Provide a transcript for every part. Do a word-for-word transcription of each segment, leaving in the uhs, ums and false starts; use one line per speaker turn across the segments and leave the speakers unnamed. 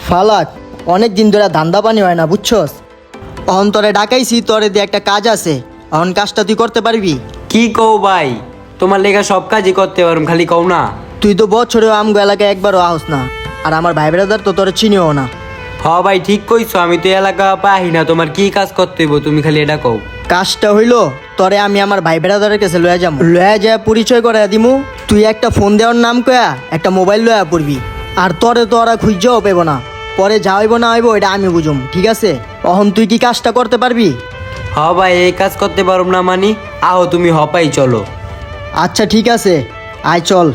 ফালাক, অনেক দিন ধরে ধান্দা পানি হয় না বুঝছস। অহন তোরে ডাকাইছি, তোরে দিয়ে একটা কাজ আছে, অহন কাজটা তুই করতে পারবি?
কি কও ভাই, তোমার লেগা সব কাজই করতে পারুম, খালি কও না।
তুই তো বছরেও আমগো এলাকায় একবারও আহস না, আর আমার ভাই ব্রাদার তো তোরে চিনিও না।
হ ভাই ঠিক কইছো, আমি তো এলাকা পাই না, তোমার কি কাজ করতে হইব তুমি খালি এটা কও।
কাজটা হইলো, তোরে আমি আমার ভাই ব্রাদারের কাছে লয়া যাবো, লয়া যায় পরিচয় করে দিমু। তুই একটা ফোন দেওয়ার নাম কয়া একটা মোবাইল লয়া পড়বি, আর তোরে তো ওরা খুঁজেও পেব না। পরে যা হইব না হইব এটা আমি বুঝুম, ঠিক আছে? অহন তুই কি কাজটা করতে পারবি?
হ ভাই, এই কাজ করতে পারুম না মানি, আও তুমি হপাই চলো।
আচ্ছা ঠিক আছে, আয় চল।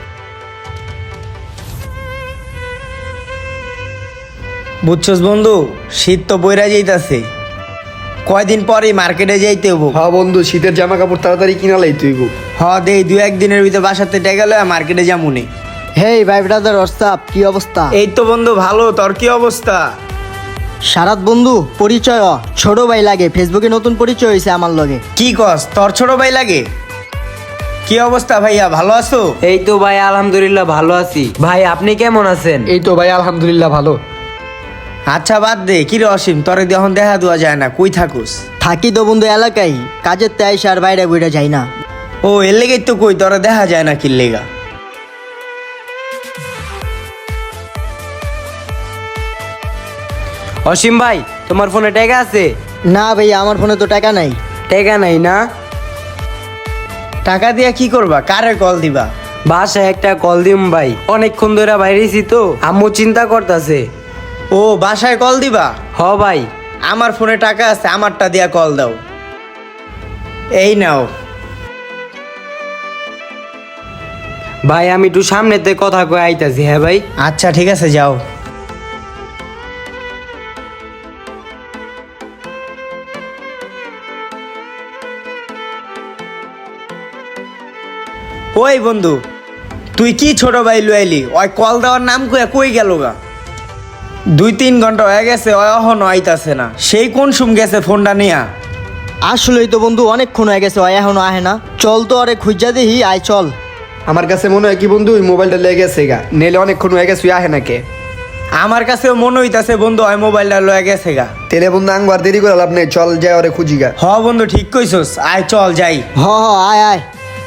বুঝছস বন্ধু, শীত তো বইরা যাইতাছে, কয়দিন পরে মার্কেটে যাইতে হবো।
হ্যাঁ বন্ধু, শীতের জামা কাপড় তাড়াতাড়ি কিনা লাই তুই গো।
হ দেই দুই একদিনের ভিতরে বাসাতে টেকা লয়া মার্কেটে যামুনি।
হেই ভাই ব্রাদার, হোয়াটসঅ্যাপ, কি অবস্থা?
এই তো বন্ধু ভালো, তোর কি অবস্থা?
সারাত বন্ধু, পরিচয় হ। ছোট ভাই লাগে, ফেসবুকে নতুন পরিচয় হয়েছে আমার লগে।
কি কস, তোর ছোট ভাই লাগে? কি অবস্থা ভাইয়া, ভালো আছো?
এই তো ভাই আলহামদুলিল্লাহ ভালো আছি। ভাই আপনি কেমন আছেন?
এই তো ভাই আলহামদুলিল্লাহ ভালো।
আচ্ছা বাদ দে, কি রে অসীম, তোরে এখন দেখা দেওয়া যায় না, কই থাকুস?
থাকি তো বন্ধু এলাকায়, কাজের তাই আর বাইরে বইটা যাই না।
ও এর লেগেই তো কই তোরে দেখা যায় না, কি লেগা?
অসীম ভাই, তোমার ফোনে টাকা আছে?
না ভাই, আমার ফোনে তো টাকা নাই।
টাকা নাই না?
টাকা দিয়া কি করবা, কারে কল দিবা?
বাসায় একটা কল দিম ভাই, অনেকক্ষণ ধরে বাইরেছি তো, আম্মু চিন্তা করতেছে।
ও বাসায় কল দিবা?
হ ভাই।
আমার ফোনে টাকা আছে, আমারটা দিয়া কল দাও। এই নাও।
ভাই আমি একটু সামনেতে কথা কয়ে আইতাছি। হ্যাঁ ভাই।
আচ্ছা ঠিক আছে, যাও। ওই বন্ধু, তুই কি ছোট ভাই লুয়াইলি? ওই কল দেওয়ার নাম কয়ে কই গেল গা? দুই তিন ঘন্টা হয়ে গেছে, ওই এখনো আইতাছে না। সেই কোন সুম গেছে ফোনটা নিয়া?
আসলেই তো বন্ধু অনেকক্ষণ হয়ে গেছে, ও এখনো আহে না। চল তো আরে খুঁজা দেখি, আয় চল।
আমার কাছে মনে হয় কি বন্ধু, ওই মোবাইলটা লেগে গেছে গা, নেলে অনেকক্ষণ হয়ে গেছে, আহে না কে।
আমার কাছেও মনে হইতাছে বন্ধু, ওই মোবাইলটা লয়ে গেছে গা।
তেলে বন্ধু আংবার দেরি করে লাভ নেই, চল যাই ওরে খুঁজি গা।
হ বন্ধু ঠিক কইছস, আয় চল যাই।
হ হ, আয় আয়।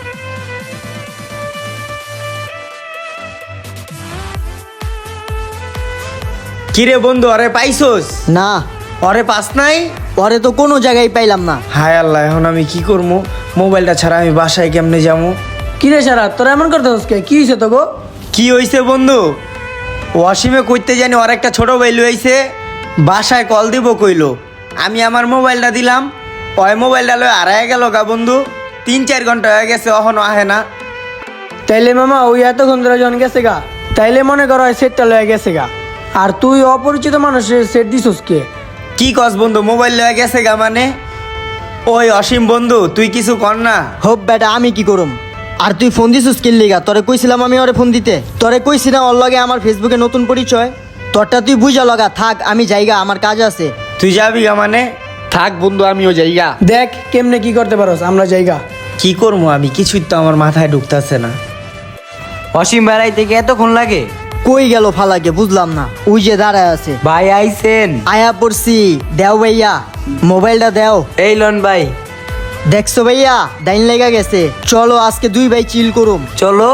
কিরে বন্ধু, আরে পাইছস?
না,
ওরে পাস নাই?
পরে তো কোনো জায়গায় পাইলাম না।
হায় আল্লাহ, এখন আমি কি করবো? মোবাইলটা ছাড়া আমি বাসায় কেমনে যাবো?
কিরে সারা, তোরা এমন করতে হচ্ছে, কি হয়েছে তো গো?
কি হইছে বন্ধু? ওয়াসিমে কইতে জানি ওর একটা ছোট ভাই লইছে, বাসায় কল দিব কইলো। আমি আমার মোবাইলটা দিলাম, ওই মোবাইলটা লয়ে হারায় গেল গা বন্ধু। তিন চার ঘন্টা হয়ে গেছে, এখনো আহে না।
তাইলে মামা ওই এতক্ষণ ধরে জন গেছে গা, তাইলে মনে করো ওই সেটটা লয়ে গেছে গা। আর তুই অপরিচিত মানুষের সেট দিছস কে?
কি কস বন্ধু, মোবাইল লয়ে গেছে গা মানে? ওই অসীম বন্ধু, তুই কিছু কর না।
হোপ বেটা, আমি কি করুম? আর তুই ফোন দিছিস কিল লিগা? তোরে কইছিলাম আমি ওরে ফোন দিতে, তোরে কইছি না ওর লগে আমার ফেসবুকে নতুন পরিচয়? তোরটা তুই বুঝা লগা, থাক আমি যাইগা, আমার কাজ আছে।
তুই যাবি গা মানে?
থাক বন্ধু, আমিও যাই গা।
দেখ কেমনে কি করতে পারোস, আমরা জায়গা।
কি করবো আমি, কিছুই তো আমার মাথায় ঢুকতেছে না।
অসীম বেড়াই থেকে এতক্ষণ লাগে?
কই গেল ফালাকে বুঝলাম না, ওই যে দাঁড়ায় আছে।
ভাই আইছেন?
আয়া পড়ছি, দেও ভাইয়া মোবাইলটা দেও।
এই লন ভাই।
দেখছো ভাইয়া, ডাইন লেগা গেছে। চলো আজকে দুই ভাই চিল করুম।
চলো।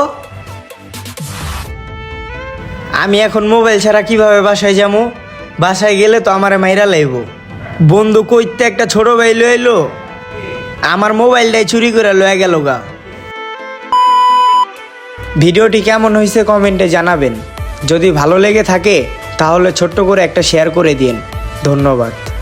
আমি এখন মোবাইল ছাড়া কিভাবে বাসায় যাবো? বাসায় গেলে তো আমারে মাইরা লাইব। বন্ধু কইতে একটা ছোট ভাই লইলো, আমার মোবাইলটাই চুরি করে লয়ে গেল গা। ভিডিওটি কেমন হয়েছে কমেন্টে জানাবেন। যদি ভালো লেগে থাকে তাহলে ছোট্ট করে একটা শেয়ার করে দিন। ধন্যবাদ।